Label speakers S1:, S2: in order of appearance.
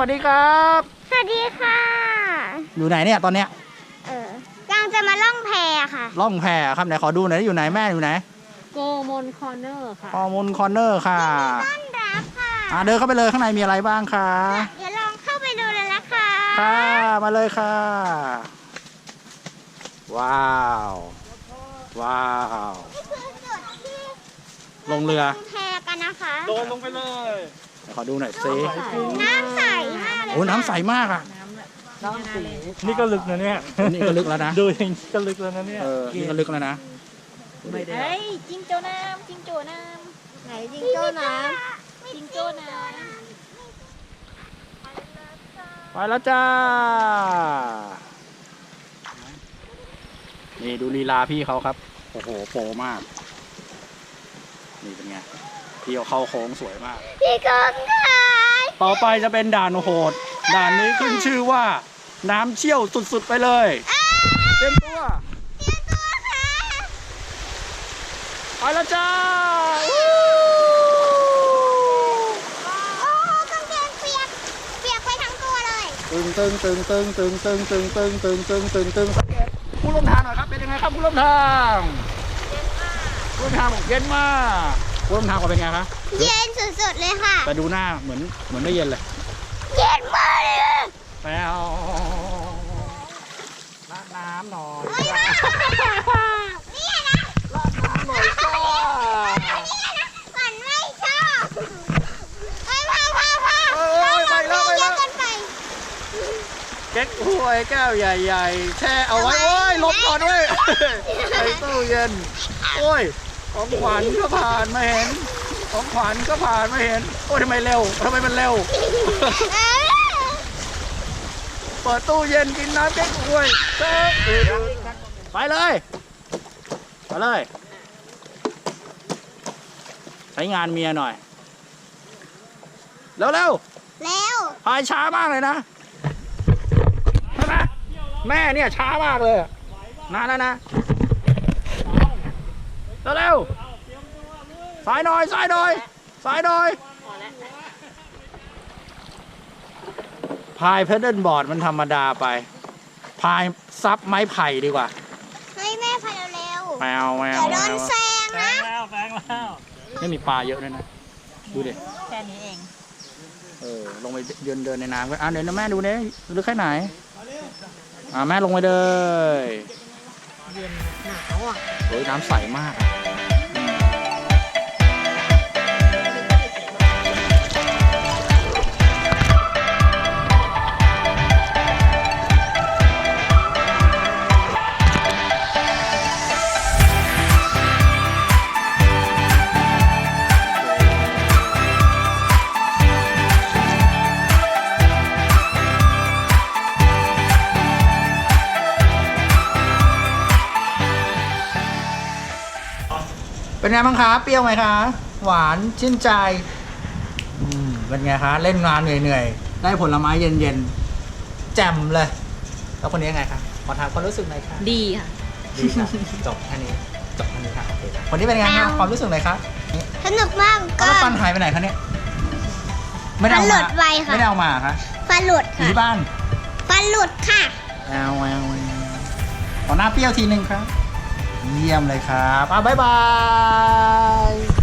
S1: วัสดีครับ
S2: สวัสดีค่ะ
S1: อยู่ไหนเนี่ยตอนเนี้ย
S2: กำลังจะมาล่องแพค่ะ
S1: ล่องแพครับไหนขอดูหน่อยอยู่ไหนแม่อยู่ไหน
S3: โกมอนคอร์เนอร์ค่ะ
S1: โกมอนคอร์เนอร์ค่ะ
S2: ต้อนรับค่ะ
S1: เดินเข้าไปเลยข้างในมีอะไรบ้างคะ
S2: เดี๋ยวลองเข้าไปดูเลยนะคะ
S1: ค่ะมาเลยค่ะว้าวว้าว
S2: นี่คือจุดที่
S1: ลงเรือ
S2: แพกันนะคะ
S4: โดนลงไปเลย
S1: ขอดูหน่อยสิ
S2: น้ำใสมากเลย
S1: โอ้น้ำใสมากอ่ะ
S4: นี่ก็ลึกนะเนี่ย
S1: นี่ก็ลึกแล้วนะ
S4: ดูอย่างนี้ก็ลึกแล้วนะเนี่ย
S1: นี่ก็ลึกแล้วนะ
S3: เฮ้ยจิงโจ้น้ำจิงโจ้น้ำไหนจิงโจ้น้ำจิงโจ้น้
S1: ำไปแล้วจ้านี่ดูลีลาพี่เขาครับโอ้โหโปรมากนี่เป็นไงพี่เขาเข้าโค้งสวยมาก
S2: พี่กงค่ะ
S1: ต่อไปจะเป็นด่านโหดด่านนี้ขึ้นชื่อว่าน้ำเชี่ยวสุดๆไปเลยเตรียมตัว
S2: ค่ะ
S1: ไปแล้วจ้า
S2: โอ้กางเกงเปียกไปทั้งตัวเลย
S1: ตึงผู้ร่วมทางหน่อยครับเป็นยังไงครับผู้ร่วมทางผู้ร่วมทางบอกเย็นมากผู้ร่วมทางเป็นไงครับ
S2: เย็นสุดๆเลยค่ะ
S1: แต่ดูหน้าเหมือนได้เย็นเลย
S2: เย็นมากเลย
S1: แปลวราดน้ำหน่อย
S2: นี่นะ
S1: ราดน้ำหน่อยจ้า
S2: มันไม่ชอบพ่อ
S1: ไปแล้วเก๊กฮวยแก้วใหญ่ๆแช่เอาไว้โอ้ยลบก่อนด้วยใส่ตู้เย็นโอ้ยของขวัญก็ผ่านมาเห็นของขวัญก็ผ่านมาเห็นโอ้ยทำไมมันเร็วเปิดตู้เย็นกินน้ำเก๊กฮวยไปเลยใช้งานเมียหน่อยเร็วพายช้ามากเลยนะใช่ไหมแม่เนี่ยช้ามากเลยนานแล้วนะเร็วสายหน่อยพายเพดเดิลบอร์ดมันธรรมดาไปพายซับไม้ไผ่ดีกว่า
S2: ให้แม่พายเร็ว
S1: แมว
S2: เดี๋ยวโดนแซงนะ
S4: แซงแล้ว
S1: ไม่มีปลาเยอะเลยนะดูดิ
S3: แค่นี้เอง
S1: ลงไปเดินในน้ำกันเดี๋ยวนะแม่ดูเนี่ยลึกแค่ไหนแม่ลงไปเลย
S3: เย็นหนาวอ่ะ
S1: โอ้ยน้ำใสมากเป็นไงบ้างคะเปรี้ยวไหมคะหวานชื่นใจเป็นไงคะเล่นงานเหนื่อยๆได้ผลไม้เย็นๆแจ่มเลยแล้วคนนี้ยังไงคะขอถามความรู้สึกหน่อยค่ะ
S3: ดีค่ะ
S1: จบแค่นี้ค่ะโอเคคนนี้เป็นไงคะความรู้สึกหน่อยคะ
S2: สนุกมากก็
S1: แล้วฟันหายไปไหนคะเนี่ยไม่ได้เอามาไม่ได้เอามาคะ
S2: ฟันหลุดค่ะ
S1: ที่บ้าน
S2: ฟันหลุดค่ะ
S1: ขอหน้าเปรี้ยวทีนึงครับเยี่ยมเลยครับบ๊ายบาย